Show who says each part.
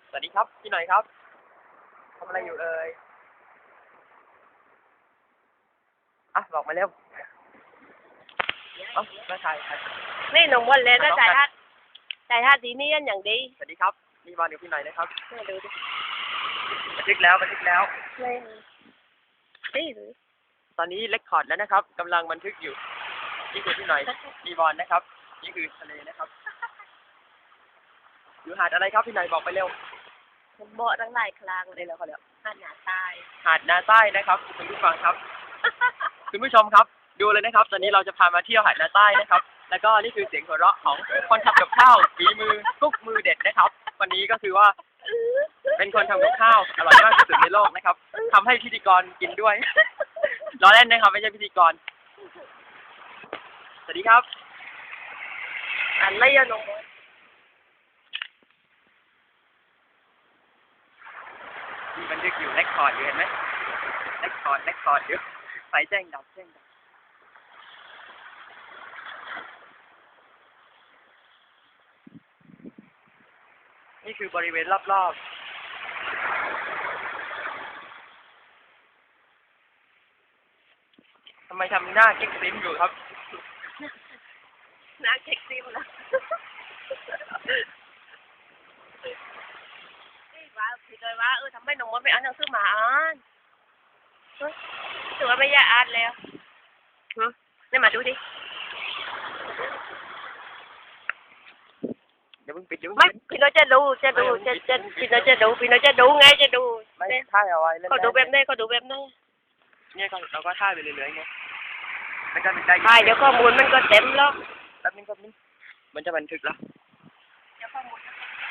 Speaker 1: สวัสดีครับพี่หน่อยครับทำอะไรอยู่เอ่ยอ่ะบอกมาเร็วมาถ่าย
Speaker 2: นี่หนุ่มวันเลยก็จ่ายท่าดีนี่ยันอย่างดี
Speaker 1: สวัสดีครับนี่บอลกับพี่หน่อยนะครับ
Speaker 2: มาดูดิ
Speaker 1: บันทึกแล้ว
Speaker 2: ไม่นี่หรือ
Speaker 1: ตอนนี้เรคคอร์ดแล้วนะครับกำลังบันทึกอยู่นี่คือพี่หน่อยมีบอลนะครับนี่คือทะเลนะครับอยู่หาดอะไรครับพี่หน่อยบอกไปเร็ว
Speaker 2: ผมเบาะตั้งหลายครั้งเลยแล้วเขาเรียกหาดหนาใต้
Speaker 1: หาดนาใต้นะครับคุณผู้ฟังครับ คุณผู้ชมครับดูเลยนะครับตอนนี้เราจะพามาเที่ยวหาดนาใต้นะครับแล้วก็นี่คือเสียงหัวเราะของคนทำกับข้าวฝีมือทุกมือเด็ดนะครับวันนี้ก็คือว่าเป็นคนทำกับข้าวอร่อยมากที่สุดในโลกนะครับทำให้พิธีกรกินด้วยล้อเล่นนะครับไม่ใช่พิธีกรสวัสดีครับ
Speaker 2: อะไรอะหนุ่ม
Speaker 1: มีบันทึกอยู่เรคคอร์ดอยู่เห็นไหมเรคคอร์ดอยู่ไฟแจ้งดับนี่คือบริเวณรอบๆทำไมทำหน้าเก๊กซิมอยู่ครับ
Speaker 2: น้าเช็คซิมนะนี่ว่าพี่เลยว่าทำไมหนุ่มไม่อ่านหนังสือมาอ่านถือว่าไม่อยากอ่านแล้วนี่มาดูดิ
Speaker 1: เดี๋ยวมึงปิด
Speaker 2: ไม่พี่น้อยจะดูพี่น้อยจะดูไงจะดู
Speaker 1: ไม่ถ่ายเอาไว้เล่น
Speaker 2: เขาดูแบบนี้
Speaker 1: เนี่ยเราก็ถ่ายไปเรื่อยๆไงมันจะได้
Speaker 2: ถ่ายเดี๋ยวข้อมูลมันก็เต็มแล้ว
Speaker 1: แป๊บนึงมันจะบันทึกแล้ว